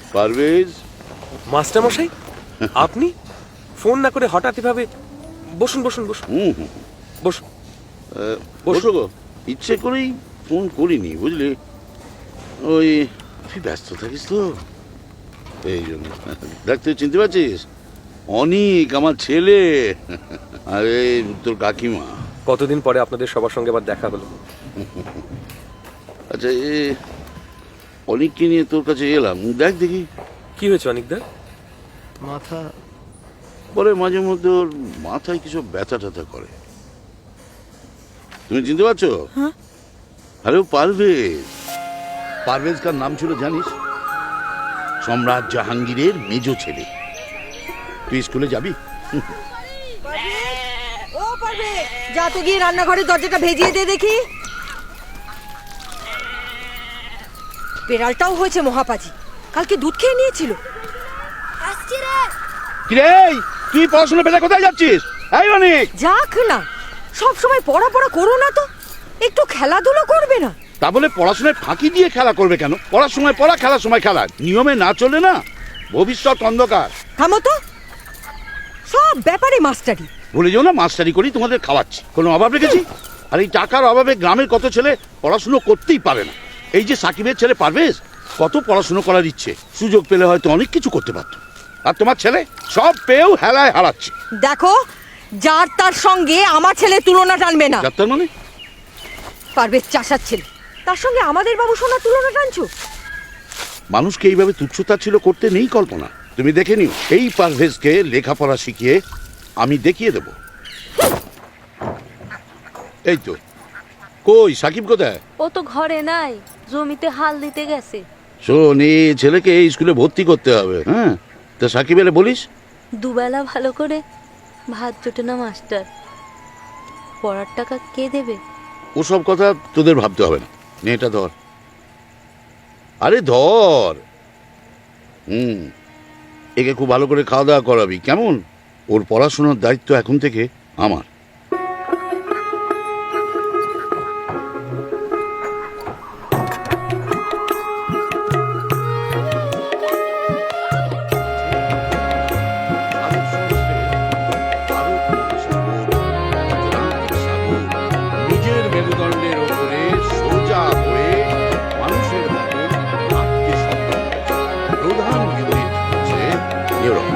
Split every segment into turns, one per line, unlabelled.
Parvez.
Master মশাই, আপনি phone না করে হঠাৎ এভাবে? বসুন বসুন বসুন বসুন।
বসো গো। ইচ্ছে করেই ফোন করিনি, বুঝলি? ওই তুই ব্যস্ত থাকিস তো, এই জন্য। দেখ, তুই চিনতে পারছিস? অনিক, আমার ছেলে। আরে তোর কাকিমা।
কতদিন পরে আপনাদের সবার সঙ্গে আবার দেখা হলো।
আচ্ছা, অনিককে নিয়ে তোর কাছে এলাম। দেখ দেখি
কি হয়েছে অনিকদা?
মাথা
পরে মাঝে মধ্যে ওর মাথায় কিছু ব্যথা ট্যাথা করে। তুমি চিনতে পারছো? আরে ও পারভেজ। পারভেজ কার নাম ছিল জানিস? সম্রাট জাহাঙ্গীরের মেজ ছেলে। তুই স্কুলে যাবি?
ও পারবে, যা তো গিয়ে রান্নাঘরের দরজাটা ভেজিয়ে দে দেখি। বেড়ালটাও হয়েছে মহাপাজি, কালকে দুধ খেয়ে নিয়েছিল। আসছি রে।
কিরে, তুই পড়াশোনা পেলে কোথায় যাচ্ছিস? এই অনেক
যাক না, সব সময় পড়া করো না তো, একটু খেলাধুলো করবে না?
তা বলে পড়াশোনায় ফাঁকি দিয়ে খেলা করবে কেন? পড়ার সময় পড়া, খেলার সময় খেলা। নিয়মে না চলে না, ভবিষ্যৎ অন্ধকার।
থামো তো, সব ব্যাপারে মাস্টারি।
ভুলে যাও না, মাস্টারি করি তোমাদের খাওয়াচ্ছি। কোনো অভাব রেখেছি? আর এই টাকার অভাবে গ্রামের কত ছেলে পড়াশুনো করতেই পারে না। এই যে সাকিবের ছেলে পারভেজ, কত পড়াশুনো করার ইচ্ছে, সুযোগ পেলে হয়তো অনেক কিছু করতে পারত। আর তোমার ছেলে সব পেয়েও হেলায় হারাচ্ছে।
দেখো, যার তার সঙ্গে আমার ছেলে তুলনা টানবে না।
ডাক্তার মানে?
পারভেজ চাষার ছেলে, তার সঙ্গে আমাদের বাবু সোনার তুলনা টানছো?
মানুষকে এইভাবে তুচ্ছতাচ্ছিল্য করতে নেই কল্পনা। তুমি দেখে নিও, এই পারভেজকে লেখাপড়া শিখিয়ে আমি দেখিয়ে দেব। এই তো, কই সাকিব কোথায়?
ও তো ঘরে নাই, জমিতে হাল দিতে গেছে।
শোন, এই ছেলেকে এই স্কুলে ভর্তি করতে হবে। হ্যাঁ, তা সাকিব এলে বলিস।
দুবেলা ভালো করে ভাত জোটে না মাস্টার, পড়ার টাকা কে দেবে?
ওসব কথা তোদের ভাবতে হবে না। নে, এটা ধর। আরে ধর। একে খুব ভালো করে খাওয়া দাওয়া করাবি, কেমন? ওর পড়াশোনার দায়িত্ব এখন থেকে আমার। নিজের মেরুদণ্ডের ওপরে সোজা হয়ে মানুষের মতো হাঁটতে সক্ষম হয়েছে। প্রধান ইউনিট হচ্ছে নিউরন।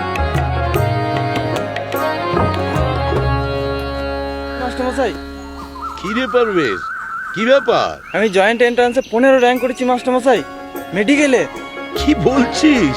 মাস্টারমশাই,
কি রে পারভেজ, কি ব্যাপার?
আমি জয়েন্ট এন্ট্রান্সে 15 র্যাঙ্ক করেছি মাস্টারমশাই, মেডিকেলে।
কি বলছিস?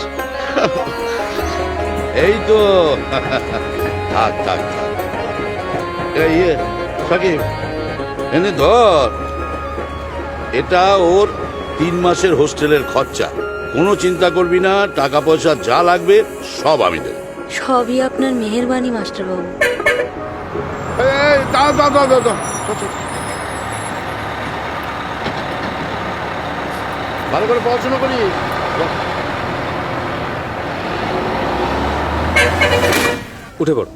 এই তো। থাক থাক থাক। এই সাকিব, এনে ধর। এটা ওর 3 মাসের হোস্টেলের খরচা। কোনো চিন্তা করবি না, টাকা পয়সা যা লাগবে সব আমি দেব।
সবই আপনার মেহেরবানি মাস্টারবাবু।
ভালো করে পড়াশোনা করি।
উঠে পড়ো।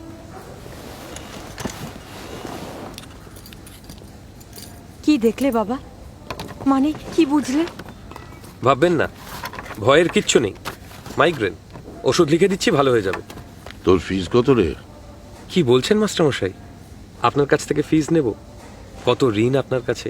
কি দেখলে বাবা? মানে কি বুঝলে?
ভাববেন না, ভয়ের কিচ্ছু নেই। মাইগ্রেন, ওষুধ লিখে দিচ্ছি, ভালো হয়ে যাবে।
তোর ফিস কত রে?
কি বলছেন মাস্টার মশাই? আপনার কাছ থেকে ফিস নেব? কত ঋণ আপনার কাছে।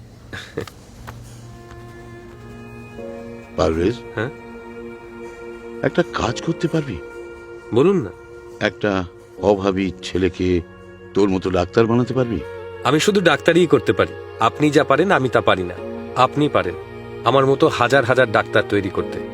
পারভেজ,
হ্যাঁ
একটা কাজ করতে পারবি?
বলুন না।
একটা অভাবী ছেলেকে তোর মতো ডাক্তার বানাতে পারবি?
আমি শুধু ডাক্তারিই করতে পারি। আপনি যা পারেন আমি তা পারি না। আপনি পারেন আমার মতো হাজার হাজার ডাক্তার তৈরি করতে।